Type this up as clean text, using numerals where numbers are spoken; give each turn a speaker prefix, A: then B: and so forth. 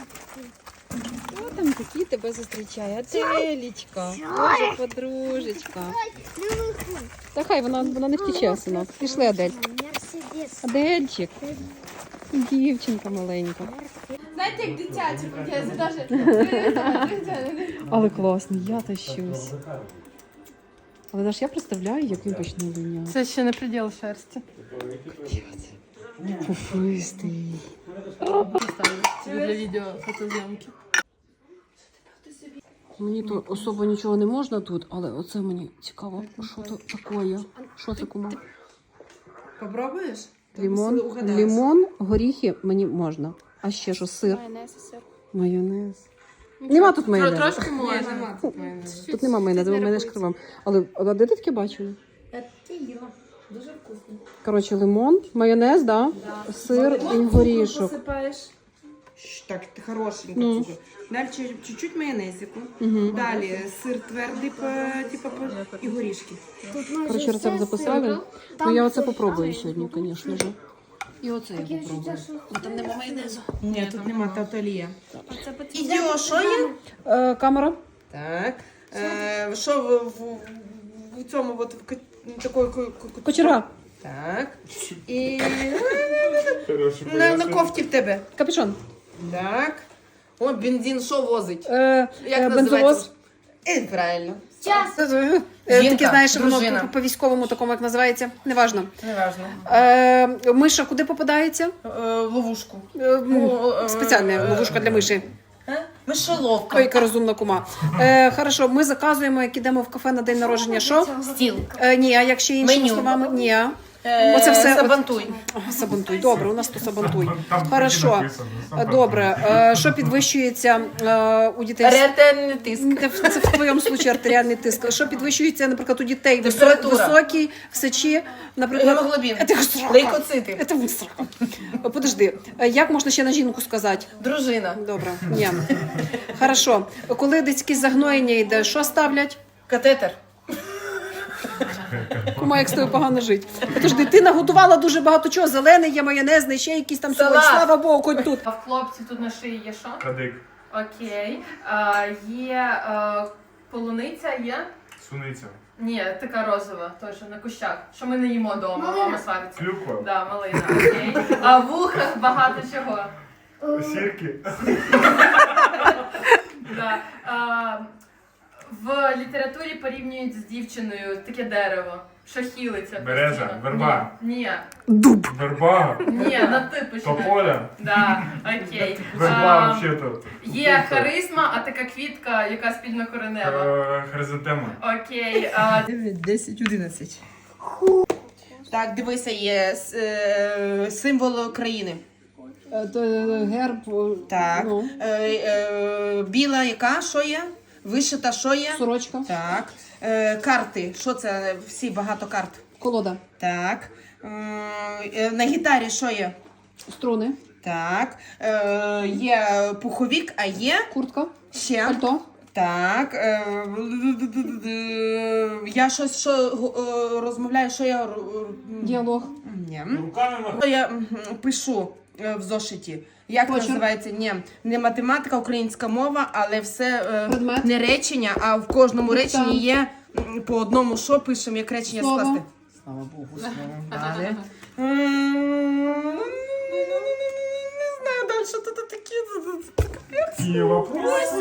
A: Хто там такий тебе зустрічає? Аделічка, боже, подружечка. Та хай, вона не втече, синок. Пішли, Адель. Адельчик. Дівчинка маленька.
B: Знаєте, як дитячі, я
A: Але класний, я тащусь. Але ж я представляю, як він почне линяти.
B: Це ще не приділ шерсті.
A: Пуфистий.
B: Для відео фотозйомки.
A: Мені то особо нічого не можна тут, але оце мені цікаво, що то таке. Що це, кума?
C: Попробуєш?
A: Лимон, горіхи мені можна. А ще що, сир?
B: Майонез і сир.
A: Майонез. Нема тут майонезу.
B: Трошки можна.
C: Нема тут майонезу.
A: Тут нема майонезу, бо майонез кривом. Але де ти таке бачили?
C: Ти їла. Дуже вкусно.
A: Коротше, лимон, майонез, да? Сир і горішок.
C: Посипаєш. Так, хорошенько.
A: Ну.
C: Цукор. Далі чуть-чуть майонезику. Далі сир твердий, і горішки.
A: Коротше, рецепт записали. Ну я оце попробую сьогодні, звісно ж. І оце я попробую. Там нема майонезу.
C: Ні, тут нема таталія. Ідіо, що є?
A: Камера.
C: Так. Що в цьому от такої
A: Кочерга.
C: Так. І на кофті в тебе.
A: Капюшон.
C: Так. О, бензин що возить?
A: Бензовоз.
C: називається? Правильно.
A: Таке, знаєш,
C: дружина.
A: воно по військовому такому, як називається. Неважно.
C: Неважно.
A: Миша куди попадається?
C: Ловушку.
A: Спеціальна ловушка для миші.
C: Мишоловка.
A: Ой, яка розумна кума. Хорошо, ми заказуємо, як ідемо в кафе на день народження, що?
C: Стіл.
A: Ні, а якщо іншими
C: Меню.
A: словами, ні. Оце все.
C: Сабантуй.
A: Сабантуй. Добре, у нас то сабантуй. Хорошо. Добре. Що підвищується у дітей?
C: Артеріальний тиск.
A: Це в твоєму случаї артеріальний тиск. Що підвищується, наприклад, у дітей?
C: Температура.
A: Високий, в сечі, наприклад.
C: Гемоглобін.
A: Це срака.
C: Лейкоцити.
A: Це срака. Подожди. Як можна ще на жінку сказати?
C: Дружина.
A: Добре. Ні. Хорошо. Коли десь якесь загноєння йде, що ставлять?
C: Катетер.
A: Кума, як з тобою погано жити. Подожди, ти наготувала дуже багато чого. Зелений є, майонезний, ще якісь там
C: Салат.
A: сьогодні. Слава Богу, хоч тут.
B: А в хлопці тут на шиї є що?
D: Кадик,
B: Окей. Є полуниця, є?
D: суниця,
B: Ні, така розова, теж на кущах. Що ми не їмо вдома, мама свариться.
D: клюква,
B: Да, малина, окей. А в вухах багато чого.
D: сірки,
B: Да. В літературі порівнюють з дівчиною таке дерево, що хілиться.
D: Береза,
B: постійно.
D: верба.
B: Ні,
A: Дуб.
D: верба,
B: ні, на ти починай.
D: тополя,
B: Да, окей.
D: верба взагалі-то.
B: Є харизма, а така квітка, яка спільно коренева.
D: Хризантема.
B: Окей.
C: 9, 10, 11. Так, дивися, є символ країни.
A: Герб.
C: Так.
A: Ну,
C: Біла яка? Що є? Вишита що є?
A: сорочка.
C: Так. Карти. Що це? Всі багато карт.
A: Колода.
C: Так. На гітарі що є?
A: Струни.
C: Так. Є пуховік, а є
A: Куртка.
C: ще.
A: Пальто.
C: Так. Я щось розмовляю, що я...
A: Діалог.
C: Ні.
D: Руками
C: Що я пишу в зошиті. Як
A: Почерк.
C: називається? Ні, не математика, українська мова, але все
A: Предмет.
C: не речення, а в кожному
A: Диктант.
C: реченні є по одному, що пишемо, як речення
A: Слово.
C: скласти. Слава Богу, слово. Далі. Не знаю, далі що тут таке.
D: Є вопрос.